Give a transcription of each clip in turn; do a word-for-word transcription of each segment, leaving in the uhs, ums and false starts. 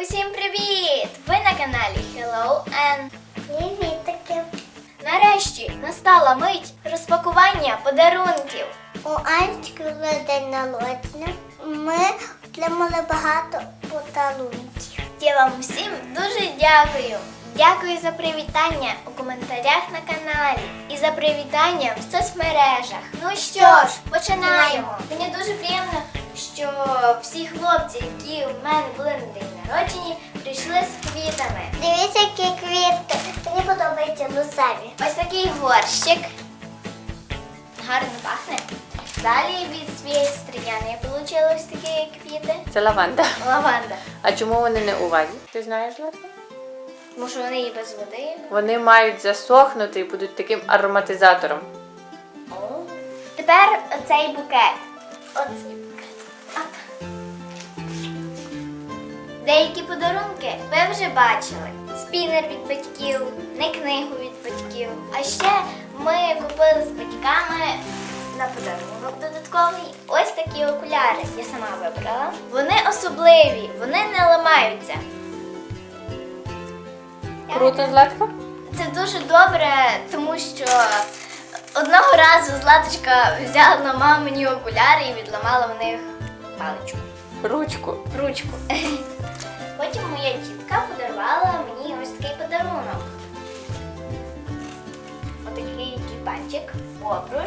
Усім привіт! Ви на каналі Hello Ann. Привітики! Нарешті настала мить розпакування подарунків. У Анечки вже день народження. Ми отримали багато подарунків. Я вам всім дуже дякую. Дякую за привітання у коментарях на каналі і за привітання в соцмережах. Ну що ж, починаємо. Мені дуже приємно, що всі хлопці, які у мене були на день народження, прийшли з квітами. Дивіться, які квітки. Мені подобаються рожеві. Ось такий горщик. Гарно пахне. Далі від своєї стріляни я отримала ось такі квіти. Це лаванда. Лаванда. А чому вони не у вазі? Ти знаєш, Латка? Тому що вони і без води. Вони мають засохнути і будуть таким ароматизатором. О. Тепер оцей букет. Оцей букет. Оп. Деякі подарунки ви вже бачили. Спінер від батьків, не книгу від батьків. А ще ми купили з батьками на подарунок додатковий ось такі окуляри. Я сама вибрала. Вони особливі, вони не ламаються. Круто, Златка? Це дуже добре, тому що одного разу Златочка взяла на мамині окуляри і відламала в них паличку, Ручку. ручку. Потім моя тітка подарувала мені ось такий подарунок. Отакий тюльпанчик, обруч,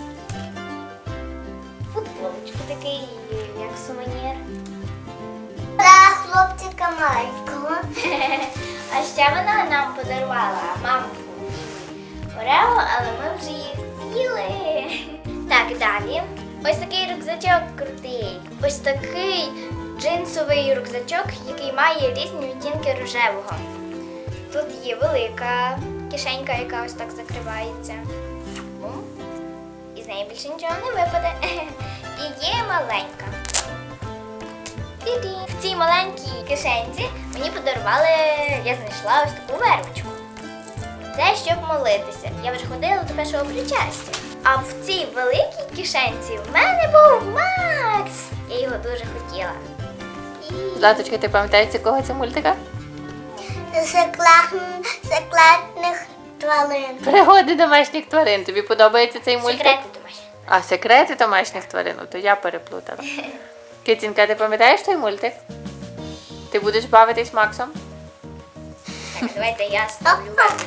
футболочку такий, як сувенір. Для хлопчика маленького. А ще вона нам подарувала мамку Орео, але ми вже їх з'їли. Так, далі. Ось такий рюкзачок крутий. Ось такий джинсовий рюкзачок, який має різні відтінки рожевого. Тут є велика кишенька, яка ось так закривається. Бум. І з неї більше нічого не випаде. І є маленька. Ті-ті. В цій маленькій кишенці мені подарували, я знайшла ось таку вервочку. Це щоб молитися. Я вже ходила до першого причастя. А в цій великій кишенці в мене був Макс. Я його дуже хотіла. І... Златочка, ти пам'ятаєш, з якого це мультика? Секретних тварин. Пригоди домашніх тварин. Тобі подобається цей мультик? Секрети домашні. А, секрети домашніх тварин? Ну, то я переплутала. Китінка, ти пам'ятаєш той мультик? Ти будеш бавитись Максом? Так, давайте я ставлю вервочку.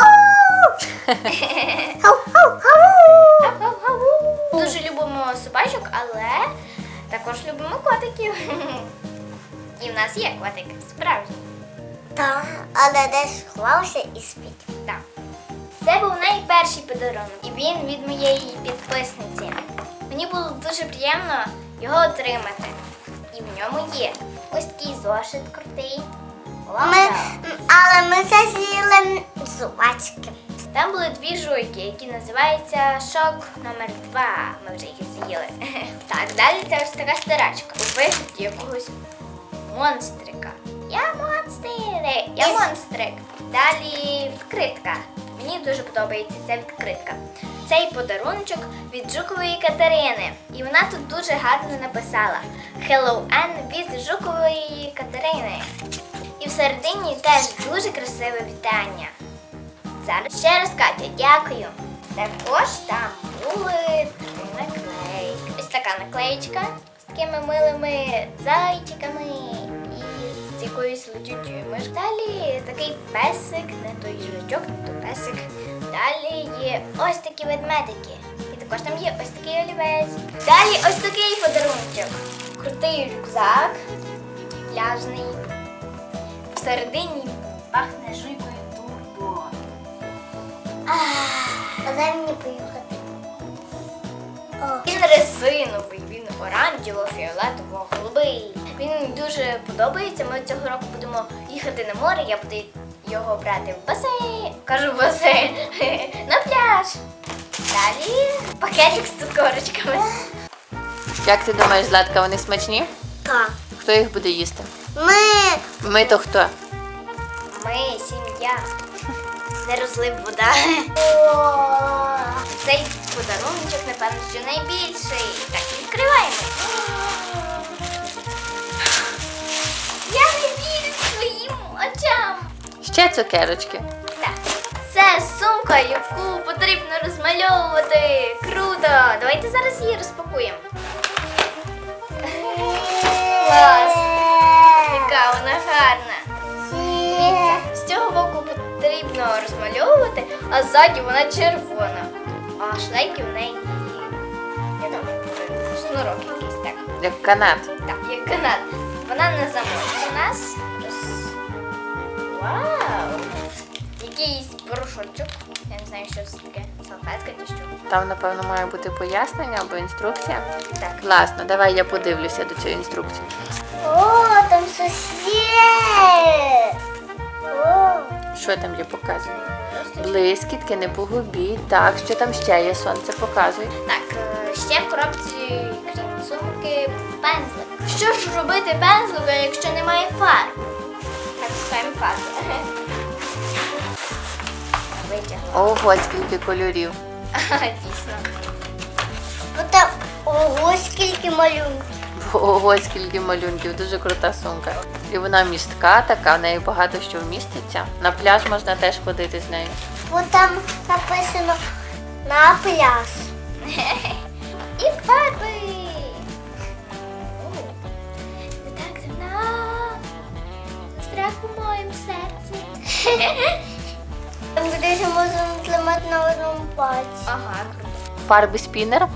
Дуже любимо собачок, але також любимо котиків. І в нас є котик справжній. Так, але десь сховався і спить. Так. Це був найперший подарунок, і він від моєї підписниці. Мені було дуже приємно його отримати. І в ньому є ось такий зошит крутий. Ми, Лаванда. але ми це з'їли зубачки. Там були дві жуйки, які називаються шок номер два. Ми вже їх з'їли. Так, далі це ось така стирачка у вигляді якогось монстрика. Я монстрик! Я Із- монстрик. Далі відкритка. Мені дуже подобається ця відкритка. Цей подаруночок від Жукової Катерини. І вона тут дуже гарно написала Hello Ann від Жукової Катерини. І всередині теж дуже красиве вітання. Зараз ще раз, Катя, дякую. Також там були три наклейки. Ось така наклеєчка з такими милими зайчиками і з якоюсь летючою мишкою. Далі такий песик, не той жучок, не той песик. Далі є ось такі ведмедики. І також там є ось такий олівець. Далі ось такий подарунок. Крутий рюкзак, пляжний. Всередині пахне жуйкою турбо. А дай мені поїхати. О. Він резиновий, він оранжево-фіолетово-голубий. Він мені дуже подобається. Ми цього року будемо їхати на море, я буду його брати в басейн. Кажу в басейн. На пляж. Далі пакетик з цукорочками. Як ти думаєш, Златка, вони смачні? Так. Хто їх буде їсти? Ми Ми то хто? Ми сім'я. Не розлив вода. Цей подарунок, напевно, що найбільший. Так, відкриваємо. Я не вірю. Ще цукерочки. Так. Це сумка, яку потрібно розмальовувати. Круто! Давайте зараз її розпакуємо. Клас! Яка вона гарна. Дивіться, з цього боку потрібно розмальовувати, а ззаді вона червона. А шлейки в неї, я там шнурок якийсь, так. Як канат. Так, як канат. Вона не замовить у нас. Роз... Вау! Якийсь порошочок. Я не знаю, що це таке. Салфетка чи що. Там, напевно, має бути пояснення або інструкція. Так. Класно, давай я подивлюся до цієї інструкції. О, там щось є. О, Що там є, показує? Просто... Блискітки, не погубіть. Так, що там ще є, сонце показує. Так, е, ще в коробці, крім сумки, пензлик. Що ж робити пензлика, якщо немає фарб? Так, шукаємо фарбу. Витягла. Ого, скільки кольорів. Ага, дійсно. ну там, ого, скільки малюнків. Ого, скільки малюнків, дуже крута сумка. І вона містка така, в неї багато що вміститься. На пляж можна теж ходити з нею. Бо там написано на пляж. І фарби. О, ти так давно застряг у моєму серці. Там десь можна тримати на одному пальці. Ага, круто. Фарби спінер.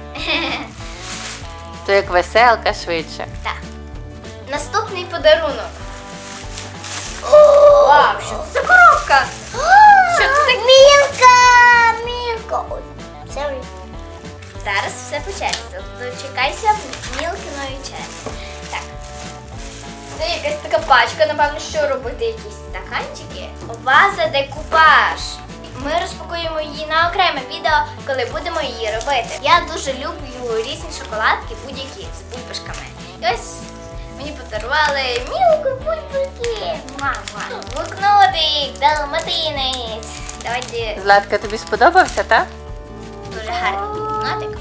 То як веселка швидше. Так. Наступний подарунок. Вау, що це за коробка? Що це таке? Мілка, Мілка. Ой, sorry. Зараз все по черзі. Дочекайся мілкиної черзі. Так. Це якась така пачка, напевно, що робити якісь стаканчики. Ваза декупаж. Ми розпакуємо її на окреме відео, коли будемо її робити. Я дуже люблю різні шоколадки, будь-які з бульбашками. І ось мені подарували мілку бульбашки. Мама. Блокнотик, далматинець. Давайте Златка, тобі сподобався, так? дуже гарний блокнотик.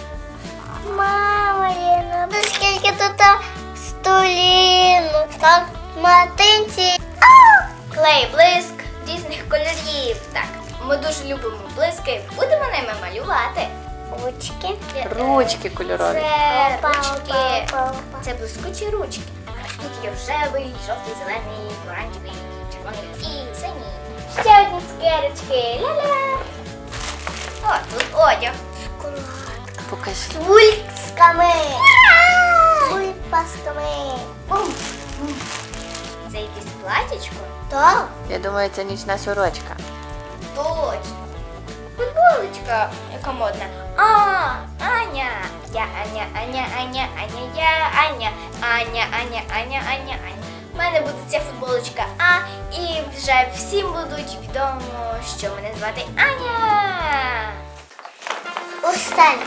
Мама, Ліна, ну скільки тут столінок, так, матинці. Клей, блиск різних кольорів. Так, ми дуже любимо блиски. Будемо ними малювати. Ручки. Ручки кольорові. Це Опа, ручки. опа, опа. Це блискучі ручки. Ось тут є рожевий, жовтий, зелений, оранжевий, червоний і синій. Ще одні цукерочки. Ля-ля. О, тут одяг. Покажи. З вульками. З вульпасками. Бум. Це якесь платічко? Так. Я думаю, це нічна сорочка. Точно. Футболочка, яка модна. А, Аня. Я Аня, Аня, Аня, Аня, я Аня. Аня, Аня, Аня, Аня, Аня. У мене буде ця футболочка А, і вже всім будуть відомо, що мене звати Аня. Останній.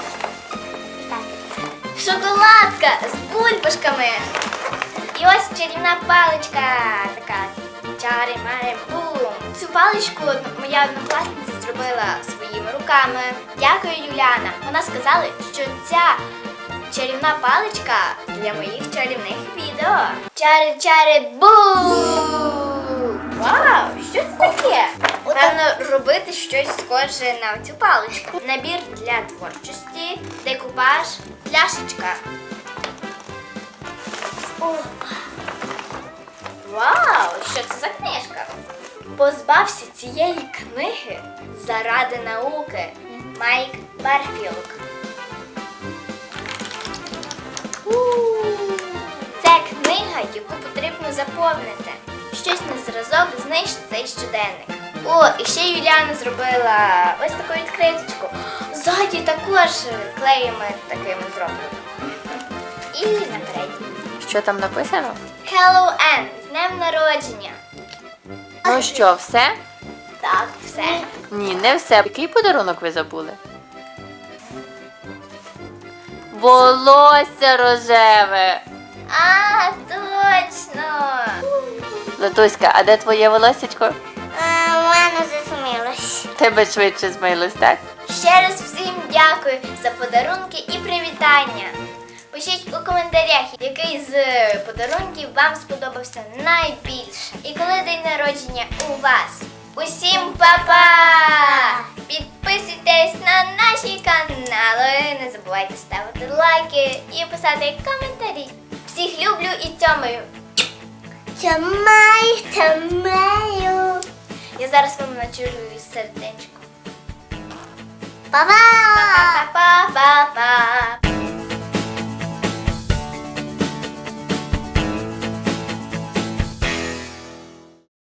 Шоколадка з бульбашками. І ось чарівна паличка. Така чари-мари бум. Цю паличку моя однокласниця зробила своїми руками. Дякую, Юляна. Вона сказала, що ця чарівна паличка для моїх чарівних відео. Чари-чари бум! Вау! Що це таке? Певно, робити щось схоже на цю паличку. Набір для творчості, декупаж, пляшечка. Вау! Що це за книжка? Позбався цієї книги заради науки. Майк Барфілк. Це книга, яку потрібно заповнити. Щось на зразок знищ цей щоденник. О, і ще Юліана зробила ось таку відкриточку. Ззаді також клеями такими зроблено. І наперед. Що там написано? Hello, Ann! З днем народження! Ну що, все? Так, все. Ні, не все. Який подарунок ви забули? Волосся рожеве. А, точно! Латуська, а де твоє волоссячко? А, у мене засмілось. Тебе швидше змилось, так? Ще раз всім дякую за подарунки і привітання. Пишіть у коментарях, який з подарунків вам сподобався найбільше. І коли день народження у вас. Усім па-па! Підписуйтесь на наші канали, не забувайте ставити лайки і писати коментарі. Всіх люблю і цьомаю. Тямай, тямаю. Я зараз вам начарую сердечко. Па-па! Па-па-па-па!